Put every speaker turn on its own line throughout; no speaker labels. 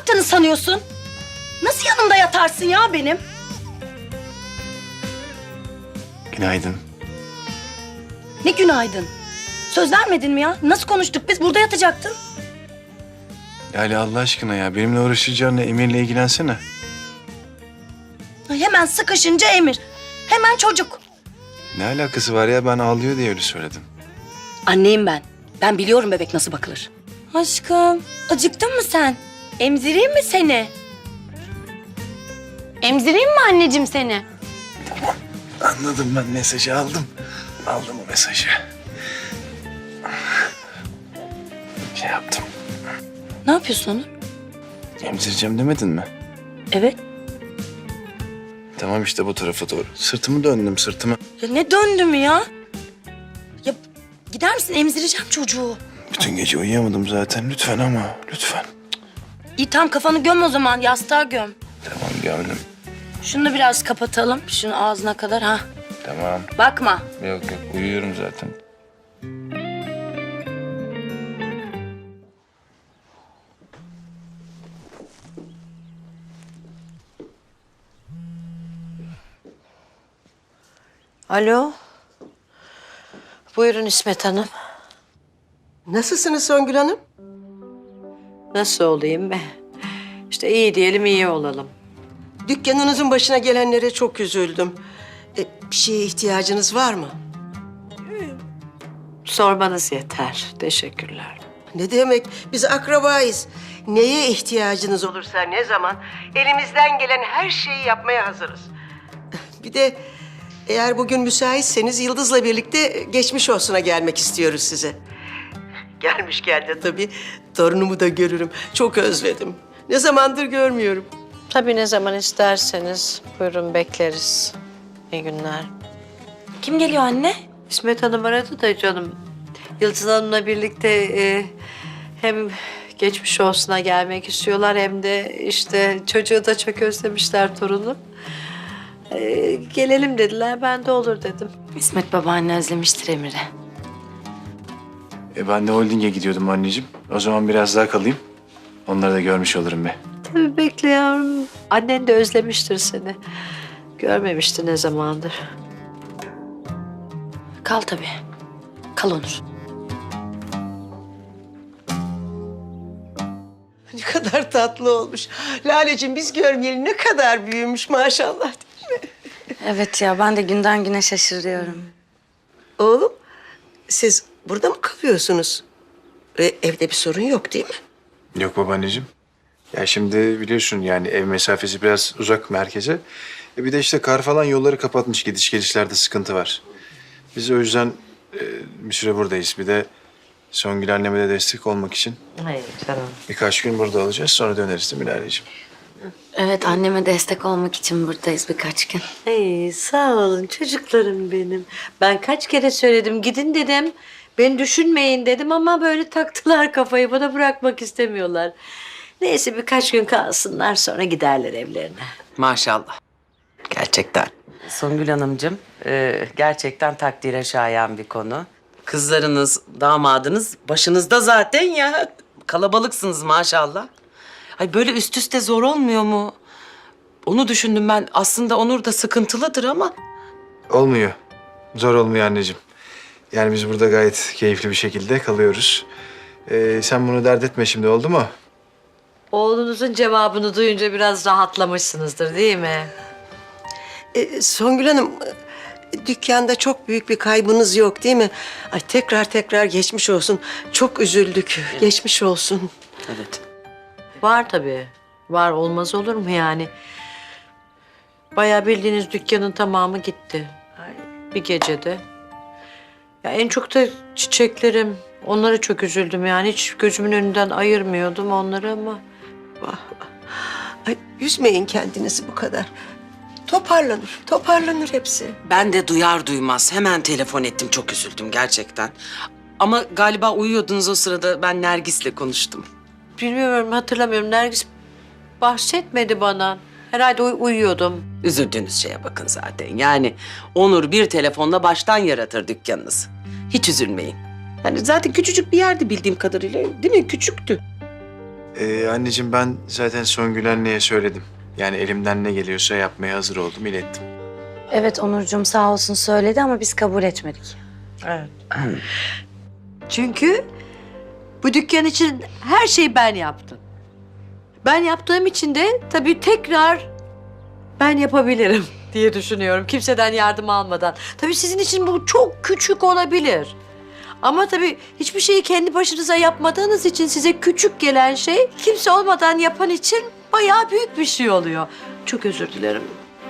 yaptığını sanıyorsun? Nasıl yanımda yatarsın ya benim?
Günaydın.
Ne günaydın. Söz vermedin mi ya? Nasıl konuştuk biz? Burada yatacaktın.
Lale Allah aşkına ya benimle uğraşacağına Emir'le ilgilensene.
Ay, hemen sıkışınca Emir. Hemen çocuk.
Ne alakası var ya ben ağlıyor diye öyle söyledim.
Anneyim ben. Ben biliyorum bebek nasıl bakılır. Aşkım, acıktın mı sen? Emzireyim mi seni? Emzireyim mi anneciğim seni?
Anladım ben mesajı aldım. Aldım o mesajı. Şey yaptım.
Ne yapıyorsun Onur?
Emzireceğim demedin mi?
Evet.
Tamam işte bu tarafa doğru. Sırtımı döndüm sırtımı.
Ya ne döndüm ya? Ya gider misin? Emzireceğim çocuğu.
Bütün gece uyuyamadım zaten lütfen ama lütfen.
İyi tamam kafanı göm o zaman. Yastığa göm.
Tamam gördüm.
Şunu da biraz kapatalım. Şunu ağzına kadar ha.
Tamam.
Bakma.
Yok uyuyorum zaten.
Alo. Buyurun İsmet Hanım.
Nasılsınız Songül Hanım?
Nasıl olayım be? İşte iyi diyelim, iyi olalım.
Dükkanınızın başına gelenlere çok üzüldüm. Bir şeye ihtiyacınız var mı?
Sormanız yeter. Teşekkürler.
Ne demek? Biz akrabayız. Neye ihtiyacınız olursa ne zaman elimizden gelen her şeyi yapmaya hazırız. Bir de eğer bugün müsaitseniz Yıldız'la birlikte geçmiş olsuna gelmek istiyoruz size. Gelmişken de tabii torunumu da görürüm. Çok özledim. Ne zamandır görmüyorum.
Tabii ne zaman isterseniz buyurun bekleriz. İyi günler.
Kim geliyor anne?
İsmet Hanım aradı da canım. Yıldız Hanım'la birlikte hem geçmiş olsuna gelmek istiyorlar hem de işte çocuğu da çok özlemişler torunu. Gelelim dediler, ben de olur dedim.
İsmet babaanne özlemiştir Emir'i.
Ben de holdinge gidiyordum anneciğim. O zaman biraz daha kalayım. Onları da görmüş olurum be.
Tabii bekle yavrum. Annen de özlemiştir seni. Görmemişti ne zamandır.
Kal tabii. Kal Onur.
Ne kadar tatlı olmuş. Laleciğim biz görmeyeli ne kadar büyümüş maşallah.
Evet ya ben de günden güne şaşırıyorum.
Oğlum siz burada mı kalıyorsunuz? Evde bir sorun yok değil mi?
Yok babaanneciğim. Ya şimdi biliyorsun yani ev mesafesi biraz uzak merkeze. Bir de işte kar falan yolları kapatmış. Gidiş gelişlerde sıkıntı var. Biz o yüzden bir süre buradayız. Bir de Songül anneme de destek olmak için
Hayır canım.
birkaç gün burada olacağız. Sonra döneriz değil mi Lale'ciğim?
Evet anneme destek olmak için buradayız birkaç gün.
Hey, sağ olun çocuklarım benim. Ben kaç kere söyledim gidin dedim. Beni düşünmeyin dedim ama böyle taktılar kafayı, bana bırakmak istemiyorlar. Neyse birkaç gün kalsınlar sonra giderler evlerine.
Maşallah. Gerçekten. Songül Hanımcığım, gerçekten takdire şayan bir konu. Kızlarınız, damadınız başınızda zaten ya. Kalabalıksınız maşallah. Ay böyle üst üste zor olmuyor mu? Onu düşündüm ben. Aslında Onur da sıkıntılıdır ama...
Olmuyor. Zor olmuyor anneciğim. Yani biz burada gayet keyifli bir şekilde kalıyoruz. Sen bunu dert etme şimdi oldu mu?
Oğlunuzun cevabını duyunca biraz rahatlamışsınızdır değil mi?
Songül Hanım dükkanda çok büyük bir kaybınız yok değil mi? Ay tekrar geçmiş olsun. Çok üzüldük. Geçmiş olsun.
Evet.
Var tabii. Var, olmaz olur mu yani? Bayağı bildiğiniz dükkanın tamamı gitti. Bir gecede. Ya en çok da çiçeklerim. Onlara çok üzüldüm yani. Hiç gözümün önünden ayırmıyordum onları ama.
Vah, vah. Ay üzmeyin kendinizi bu kadar. Toparlanır hepsi.
Ben de duyar duymaz hemen telefon ettim. Çok üzüldüm gerçekten. Ama galiba uyuyordunuz o sırada. Ben Nergis'le konuştum.
Bilmiyorum, hatırlamıyorum. Nergis bahsetmedi bana. Herhalde uyuyordum.
Üzüldüğünüz şeye bakın zaten. Yani Onur bir telefonla baştan yaratır dükkanınızı. Hiç üzülmeyin. Yani zaten küçücük bir yerdi bildiğim kadarıyla. Değil mi? Küçüktü.
Anneciğim ben zaten Songül anneye söyledim. Yani elimden ne geliyorsa yapmaya hazır oldum, ilettim.
Evet Onurcuğum sağ olsun söyledi ama biz kabul etmedik.
Evet. Çünkü bu dükkan için her şeyi ben yaptım. Ben yaptığım için de tabii tekrar ben yapabilirim diye düşünüyorum. Kimseden yardım almadan. Tabii sizin için bu çok küçük olabilir. Ama tabii hiçbir şeyi kendi başınıza yapmadığınız için size küçük gelen şey kimse olmadan yapan için bayağı büyük bir şey oluyor. Çok özür dilerim.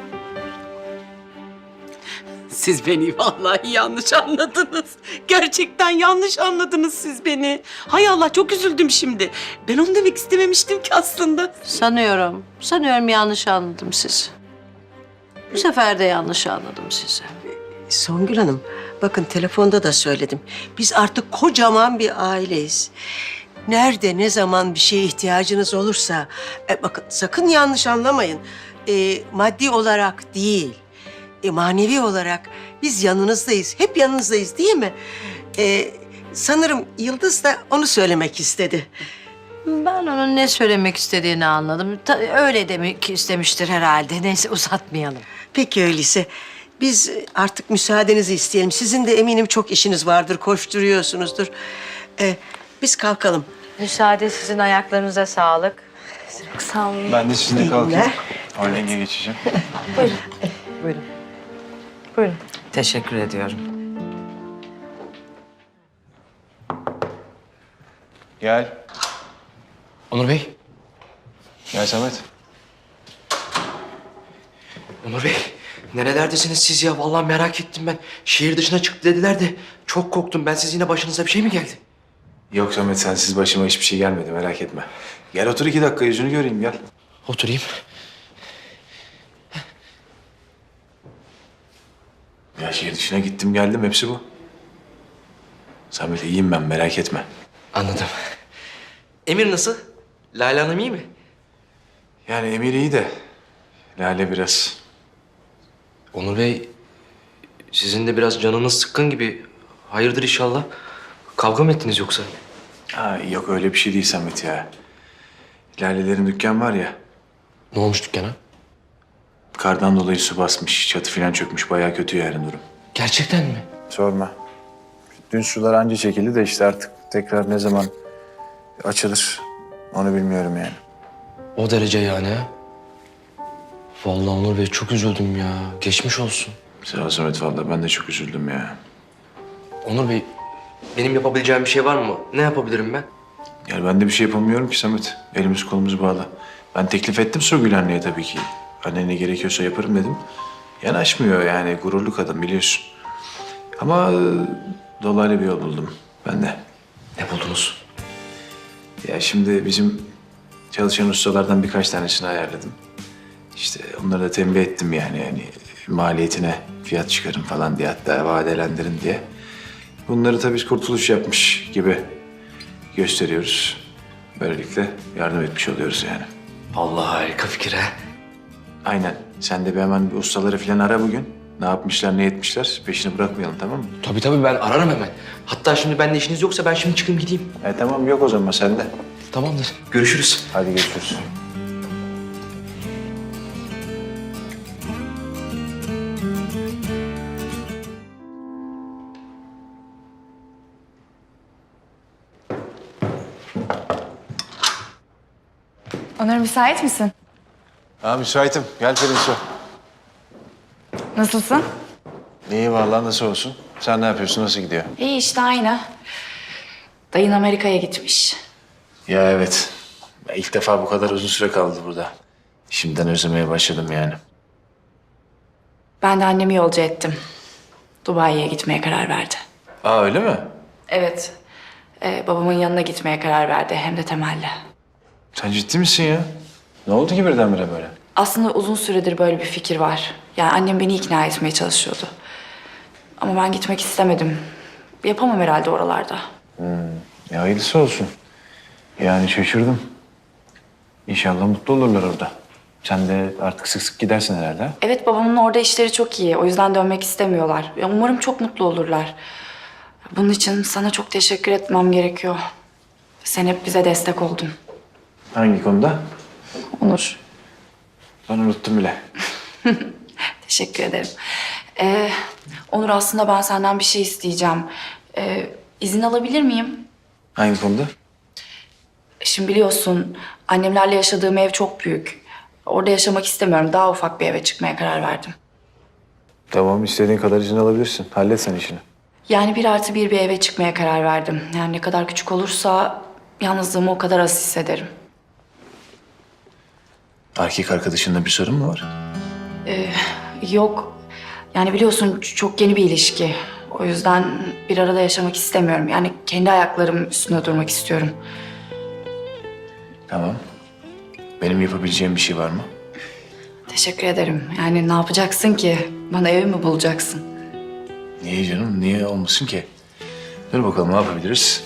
Siz beni vallahi yanlış anladınız. Gerçekten yanlış anladınız siz beni. Hay Allah çok üzüldüm şimdi. Ben onu demek istememiştim ki aslında.
Sanıyorum yanlış anladım sizi. Bu sefer de yanlış anladım sizi.
Songül Hanım, bakın telefonda da söyledim. Biz artık kocaman bir aileyiz. Nerede, ne zaman bir şeye ihtiyacınız olursa... bakın sakın yanlış anlamayın. Maddi olarak değil, manevi olarak biz yanınızdayız. Hep yanınızdayız değil mi? Sanırım Yıldız da onu söylemek istedi.
Ben onun ne söylemek istediğini anladım. Öyle demek istemiştir herhalde. Neyse uzatmayalım.
Peki öyleyse biz artık müsaadenizi isteyelim. Sizin de eminim çok işiniz vardır, koşturuyorsunuzdur. Biz kalkalım.
Müsaade sizin ayaklarınıza sağlık.
Çok sağ olun.
Ben de sizinle
İyi
kalkayım.
günler.
Holding'e geçeceğim.
Buyurun. Buyurun.
Teşekkür ediyorum.
Gel.
Onur Bey.
Gel Samet.
Onur Bey. Nerelerdesiniz siz ya? Vallahi merak ettim ben. Şehir dışına çıktı dediler de çok korktum. Ben siz yine başınıza bir şey mi geldi?
Yok Samet sensiz başıma hiçbir şey gelmedi merak etme. Gel otur 2 dakika yüzünü göreyim gel.
Oturayım.
Ya şehir dışına gittim geldim hepsi bu. Samet iyiyim ben merak etme.
Anladım. Emir nasıl? Lale Hanım iyi mi?
Yani Emir iyi de Lale biraz.
Onur Bey, sizin de biraz canınız sıkkın gibi. Hayırdır inşallah? Kavga mı ettiniz yoksa?
Ha, yok öyle bir şey değil Samet ya. Lale'lerin dükkan var ya.
Ne olmuş dükkana?
Kardan dolayı su basmış, çatı falan çökmüş. Bayağı kötü yani durum.
Gerçekten mi?
Sorma. Dün sular anca çekildi de işte artık tekrar ne zaman açılır onu bilmiyorum yani.
O derece yani ha? Vallahi Onur Bey çok üzüldüm ya. Geçmiş olsun.
Sağ ol Samet vallahi ben de çok üzüldüm ya.
Onur Bey, benim yapabileceğim bir şey var mı? Ne yapabilirim ben?
Yani ben de bir şey yapamıyorum ki Samet. Elimiz kolumuz bağlı. Ben teklif ettim Songül anneye tabii ki. Anne ne gerekiyorsa yaparım dedim. Yanaşmıyor yani gururlu kadın biliyorsun. Ama dolaylı bir yol buldum ben de.
Ne buldunuz?
Ya şimdi bizim çalışan ustalardan birkaç tanesini ayarladım. İşte onları da tembih ettim yani maliyetine fiyat çıkarın falan diye hatta vadelendirin diye. Bunları tabii kurtuluş yapmış gibi gösteriyoruz. Böylelikle yardım etmiş oluyoruz yani.
Allah harika fikir ha.
Aynen. Sen de bir hemen bir ustaları falan ara bugün. Ne yapmışlar, ne etmişler peşini bırakmayalım tamam mı?
Tabii ben ararım hemen. Hatta şimdi benimle işiniz yoksa ben şimdi çıkayım gideyim.
Tamam yok o zaman sen de.
Tamamdır. Görüşürüz.
Hadi görüşürüz.
Onur müsait misin?
Ha müsaitim. Gel Pelinsu.
Nasılsın?
İyi vallahi nasıl olsun? Sen ne yapıyorsun? Nasıl gidiyor?
İyi işte aynı. Dayın Amerika'ya gitmiş.
Ya evet. Ben ilk defa bu kadar uzun süre kaldı burada. Şimdiden özlemeye başladım yani.
Ben de annemi yolcu ettim. Dubai'ye gitmeye karar verdi.
Aa öyle mi?
Evet. Babamın yanına gitmeye karar verdi hem de temelli.
Sen ciddi misin ya? Ne oldu ki birdenbire böyle?
Aslında uzun süredir böyle bir fikir var. Yani annem beni ikna etmeye çalışıyordu. Ama ben gitmek istemedim. Yapamam herhalde oralarda.
Ya hayırlısı olsun. Yani şaşırdım. İnşallah mutlu olurlar orada. Sen de artık sık sık gidersin herhalde. Ha?
Evet babamın orada işleri çok iyi. O yüzden dönmek istemiyorlar. Ya, umarım çok mutlu olurlar. Bunun için sana çok teşekkür etmem gerekiyor. Sen hep bize destek oldun.
Hangi konuda?
Onur.
Ben unuttum bile.
Teşekkür ederim. Onur, aslında ben senden bir şey isteyeceğim. İzin alabilir miyim?
Hangi konuda?
Şimdi biliyorsun annemlerle yaşadığım ev çok büyük. Orada yaşamak istemiyorum. Daha ufak bir eve çıkmaya karar verdim.
Tamam, istediğin kadar izin alabilirsin. Hallet sen işini.
Yani 1+1 bir eve çıkmaya karar verdim. Yani ne kadar küçük olursa yalnızlığımı o kadar az hissederim.
Erkek arkadaşında bir sorun mu var?
Yok. Yani biliyorsun çok yeni bir ilişki. O yüzden bir arada yaşamak istemiyorum. Yani kendi ayaklarım üstünde durmak istiyorum.
Tamam. Benim yapabileceğim bir şey var mı?
Teşekkür ederim. Yani ne yapacaksın ki? Bana ev mi bulacaksın?
Niye canım? Niye olmasın ki? Dur bakalım ne yapabiliriz?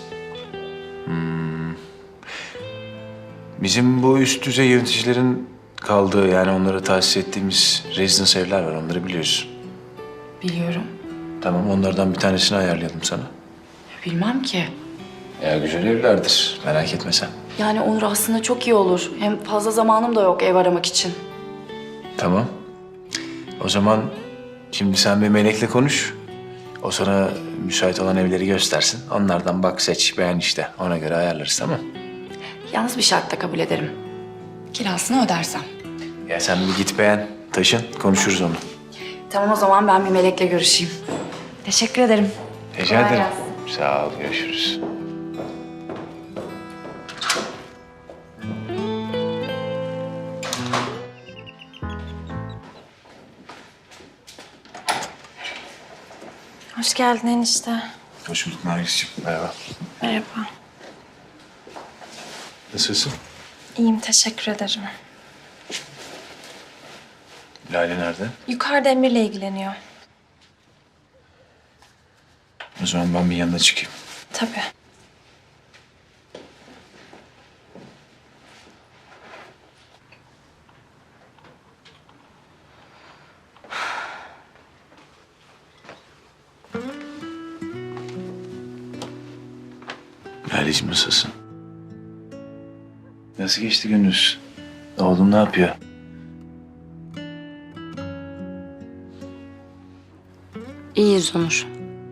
Bizim bu üst düzey yöneticilerin kaldığı, yani onlara tahsis ettiğimiz rezidans evler var. Onları biliyorsun.
Biliyorum.
Tamam, onlardan bir tanesini ayarlayalım sana.
Bilmem ki.
Ya güzel evlerdir. Merak etme sen.
Yani Onur, aslında çok iyi olur. Hem fazla zamanım da yok ev aramak için.
Tamam. O zaman şimdi sen bir Melek'le konuş. O sana müsait olan evleri göstersin. Onlardan bak, seç, beğen işte. Ona göre ayarlarız, tamam.
Yalnız bir şartla kabul ederim. Kirasını ödersem.
Ya sen bir git beğen, taşın, konuşuruz onu.
Tamam, o zaman ben bir Melek'le görüşeyim. Teşekkür ederim.
Rica
Kolay
ederim.
gelsin.
Sağ ol, görüşürüz.
Hoş geldin enişte.
Hoş bulduk Nergis'ciğim. Merhaba.
Merhaba.
Nasılsın?
İyiyim, teşekkür ederim.
Lale nerede?
Yukarıda Emir'le ilgileniyor.
O zaman ben bir yanına çıkayım.
Tabii.
Lale'ciğim nasılsın? Nasıl geçti gününüz? Oğlum ne yapıyor?
İyiyiz Onur.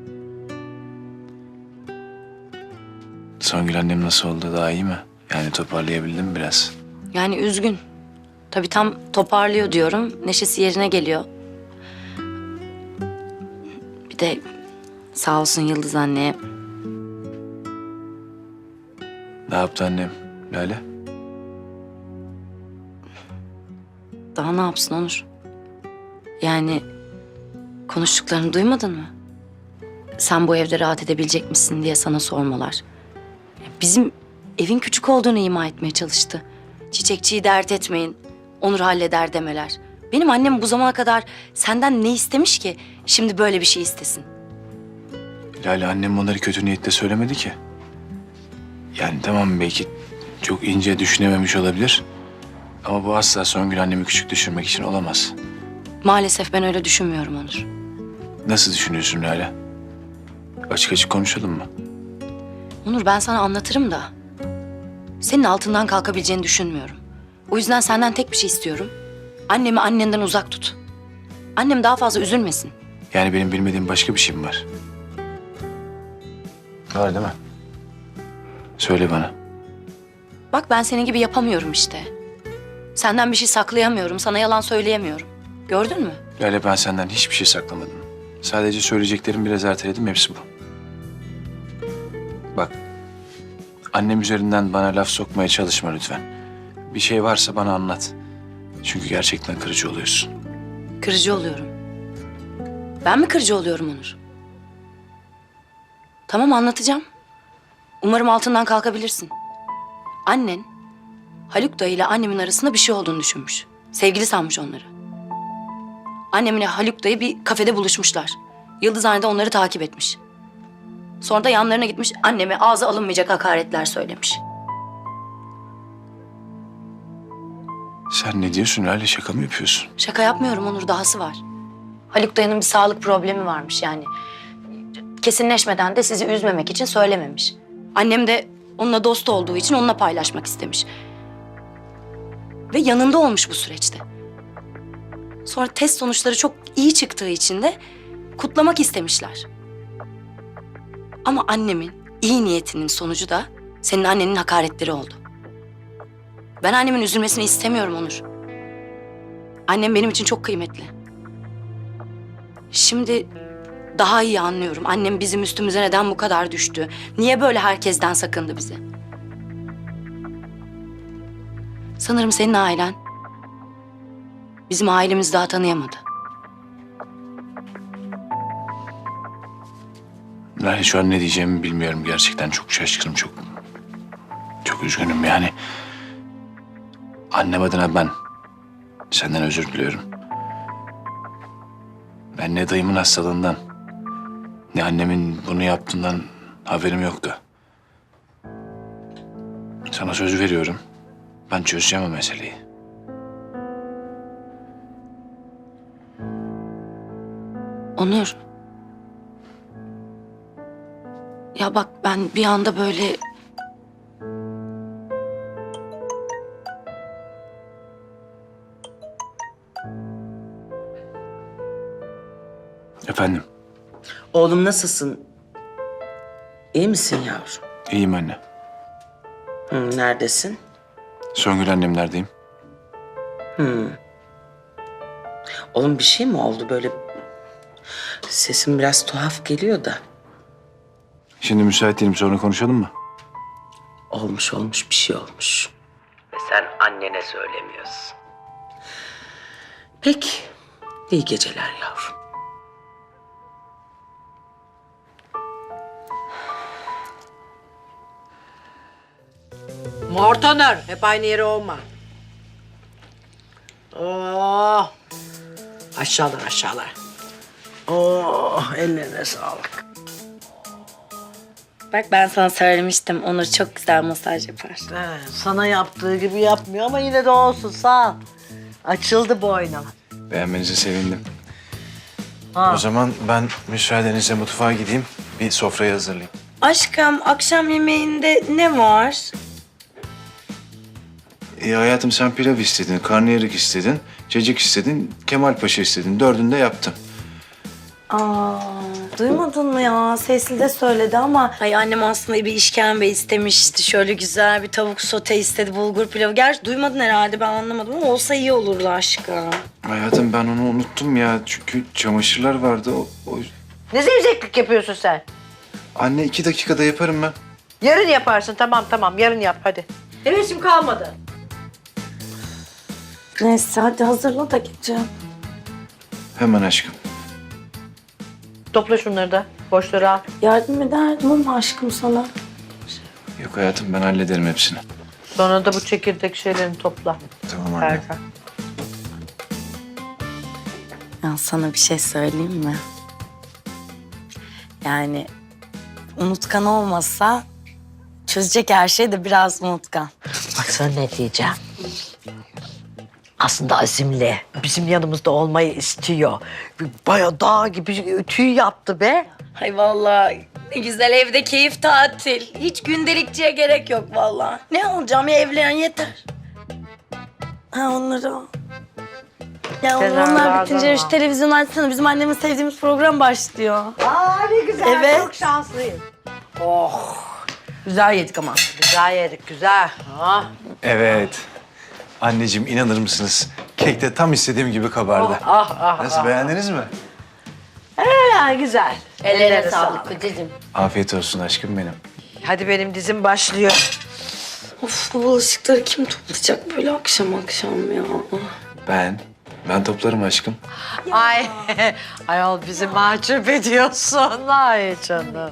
Songül annem nasıl oldu? Daha iyi mi? Yani toparlayabildin mi biraz?
Yani üzgün. Tabii tam toparlıyor diyorum. Neşesi yerine geliyor. Bir de sağ olsun Yıldız anne.
Ne yaptı annem? Lale?
Daha ne yapsın Onur? Yani konuştuklarını duymadın mı? Sen bu evde rahat edebilecek misin diye sana sormalar. Bizim evin küçük olduğunu ima etmeye çalıştı. Çiçekçiyi dert etmeyin, Onur halleder demeler. Benim annem bu zamana kadar senden ne istemiş ki şimdi böyle bir şey istesin?
Lale, annem onları kötü niyetle söylemedi ki. Yani tamam, belki çok ince düşünememiş olabilir. Ama bu asla Songül annemi küçük düşürmek için olamaz.
Maalesef ben öyle düşünmüyorum Onur.
Nasıl düşünüyorsun Lale? Açık açık konuşalım mı?
Onur, ben sana anlatırım da senin altından kalkabileceğini düşünmüyorum. O yüzden senden tek bir şey istiyorum. Annemi annenden uzak tut. Annem daha fazla üzülmesin.
Yani benim bilmediğim başka bir şey mi var? Var değil mi? Söyle bana.
Bak, ben senin gibi yapamıyorum işte. Senden bir şey saklayamıyorum, sana yalan söyleyemiyorum. Gördün mü?
Lale, ben senden hiçbir şey saklamadım. Sadece söyleyeceklerimi biraz erteledim, hepsi bu. Bak, annem üzerinden bana laf sokmaya çalışma lütfen. Bir şey varsa bana anlat. Çünkü gerçekten kırıcı oluyorsun.
Kırıcı oluyorum. Ben mi kırıcı oluyorum Onur? Tamam, anlatacağım. Umarım altından kalkabilirsin. Annen Haluk dayı ile annemin arasında bir şey olduğunu düşünmüş. Sevgili sanmış onları. Annemle Haluk dayı bir kafede buluşmuşlar. Yıldızhane de onları takip etmiş. Sonra da yanlarına gitmiş, anneme ağza alınmayacak hakaretler söylemiş.
Sen ne diyorsun Lale? Şaka mı yapıyorsun?
Şaka yapmıyorum Onur, dahası var. Haluk dayının bir sağlık problemi varmış yani. Kesinleşmeden de sizi üzmemek için söylememiş. Annem de onunla dost olduğu için onunla paylaşmak istemiş. ve yanında olmuş bu süreçte. Sonra test sonuçları çok iyi çıktığı için de kutlamak istemişler. Ama annemin iyi niyetinin sonucu da senin annenin hakaretleri oldu. Ben annemin üzülmesini istemiyorum Onur. Annem benim için çok kıymetli. Şimdi daha iyi anlıyorum. Annem bizim üstümüze neden bu kadar düştü? Niye böyle herkesten sakındı bizi? Sanırım senin ailen bizim ailemizi daha tanıyamadı.
Ben şu an ne diyeceğimi bilmiyorum. Gerçekten çok şaşkınım, çok üzgünüm yani. Annem adına ben senden özür diliyorum. Ben ne dayımın hastalığından, ne annemin bunu yaptığından haberim yoktu. Sana söz veriyorum. Ben çözeceğim o meseleyi.
Onur. Ya bak ben bir anda böyle...
Efendim,
Oğlum nasılsın? İyi misin yavrum?
iyiyim anne.
Neredesin?
Songül annemlerdeyim.
Oğlum bir şey mi oldu böyle? Sesin biraz tuhaf geliyor da.
Şimdi müsait değilim, sonra konuşalım mı?
Olmuş bir şey olmuş. Ve sen annene söylemiyorsun. Peki. İyi geceler yavrum.
Mortoner, hep aynı yere olma. Oh. Aşağılar. Oh, ellerine sağlık.
Bak ben sana söylemiştim. Onur çok güzel masaj yapar.
Sana yaptığı gibi yapmıyor ama yine de olsun, sağ ol. Açıldı boynum.
Beğenmenize sevindim.
Ha.
O zaman ben müsaadenizle mutfağa gideyim, bir sofrayı hazırlayayım.
Aşkım akşam yemeğinde ne var?
Hayatım sen pilav istedin, karnıyarık istedin, cacık istedin, Kemal Paşa istedin. Dördünü de yaptım.
Aa, duymadın mı ya? Sesli de söyledi ama... Ay annem aslında bir işkembe istemişti. Şöyle güzel bir tavuk sote istedi, bulgur pilavı. Gerçi duymadın herhalde, ben anlamadım ama olsa iyi olurdu aşkım.
Hayatım ben onu unuttum ya. Çünkü çamaşırlar vardı.
Ne zevzeklik yapıyorsun sen?
Anne 2 dakikada yaparım ben.
Yarın yaparsın, tamam yarın yap hadi. Hevesim kalmadı.
Neyse hadi hazırla da gideceğim.
Hemen aşkım.
Topla şunları da, boşları al.
Yardım ederdim ama aşkım sana.
Yok hayatım ben hallederim hepsini.
Sonra da bu çekirdek şeylerini topla.
Tamam anne.
Erkan.
Ya sana bir şey söyleyeyim mi? Yani unutkan olmasa çözecek her şey de biraz unutkan.
Bak sana ne diyeceğim. Aslında azimli. Bizim yanımızda olmayı istiyor. Bayağı dağ gibi tüy yaptı be.
Ay vallahi ne güzel evde keyif tatil. Hiç gündelikçiye gerek yok vallahi. Ne olacağım ya, evlen yeter. Ha onları al. Ya
Sen
onlar
al,
bitince
al.
şu televizyon açsana. Bizim annemin sevdiğimiz program başlıyor.
Aa ne güzel,
Evet.
çok şanslıyım. Oh, güzel yedik ama. Güzel yedik, güzel. Ah.
Evet. Anneciğim inanır mısınız? Kek de tam istediğim gibi kabardı. Nasıl beğendiniz mi?
Ya güzel.
Ellerine sağlık kocacığım.
Afiyet olsun aşkım benim.
Hadi benim dizim başlıyor.
Of bu bulaşıkları kim toplayacak böyle akşam ya?
Ben toplarım aşkım.
Ay, ayol bizi mahcup ediyorsun. Ay canım.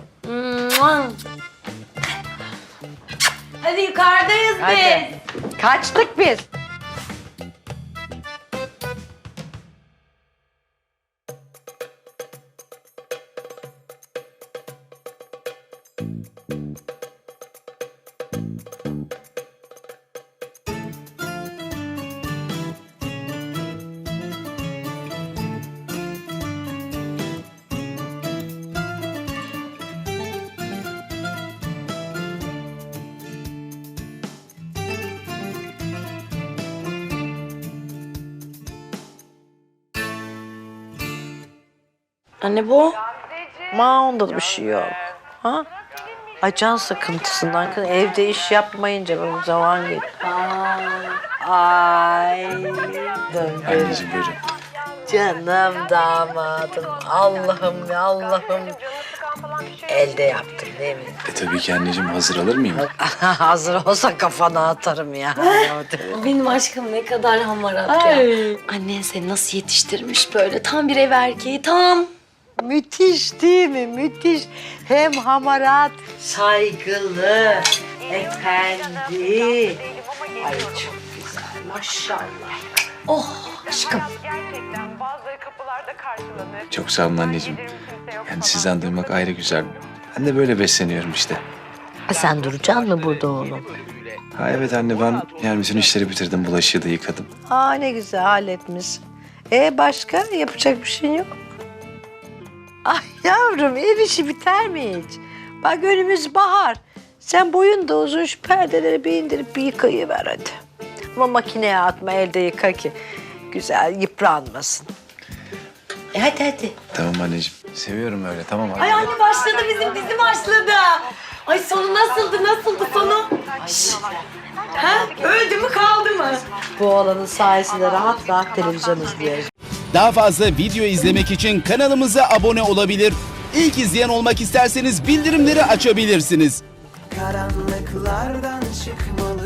Hadi yukarıdayız
Hadi. Kaçtık biz.
Anne bu.
Onda da bir şey yok. Ha? Ay can sıkıntısından kız evde iş yapmayınca bu zaman geçti. Ay.
Anneciğim buyurun.
Canım damadım. Allah'ım ya Allah'ım. Elde yaptım değil mi?
Tabii ki anneciğim, hazır alır mıyım?
Hazır olsa kafana atarım ya.
Benim aşkım ne kadar hamarat ya. Annen seni nasıl yetiştirmiş böyle. Tam bir ev erkeği, tam.
Müthiş değil mi? Müthiş. Hem hamarat, saygılı, efendi. Ay çok güzel maşallah.
Oh aşkım.
Gerçekten bazıları kapılarda karşılanır.
Çok sağ olun anneciğim. Yani sizden duymak ayrı güzel. Ben de böyle besleniyorum işte.
Sen duracaksın mı burada oğlum?
Ha evet anne, ben yani bütün işleri bitirdim. Bulaşığı da yıkadım.
Aa ne güzel halletmişsin. Başka yapacak bir şey yok mu? Ay yavrum ev işi biter mi hiç? Bak önümüz bahar. Sen boyun da uzun şu perdeleri bir indirip bir yıkayıver hadi. Ama makineye atma elde yıka ki güzel yıpranmasın. Hadi.
Tamam anneciğim. Seviyorum öyle, tamam anne.
Ay anne başladı bizim dizi başladı. Ay sonu nasıldı sonu? Şşş. Ha? Öldü mü kaldı mı?
Bu oğlanın sayesinde rahat rahat televizyon izliyoruz.
Daha fazla video izlemek için kanalımıza abone olabilir. İlk izleyen olmak isterseniz bildirimleri açabilirsiniz.
Karanlıklardan çıkmalı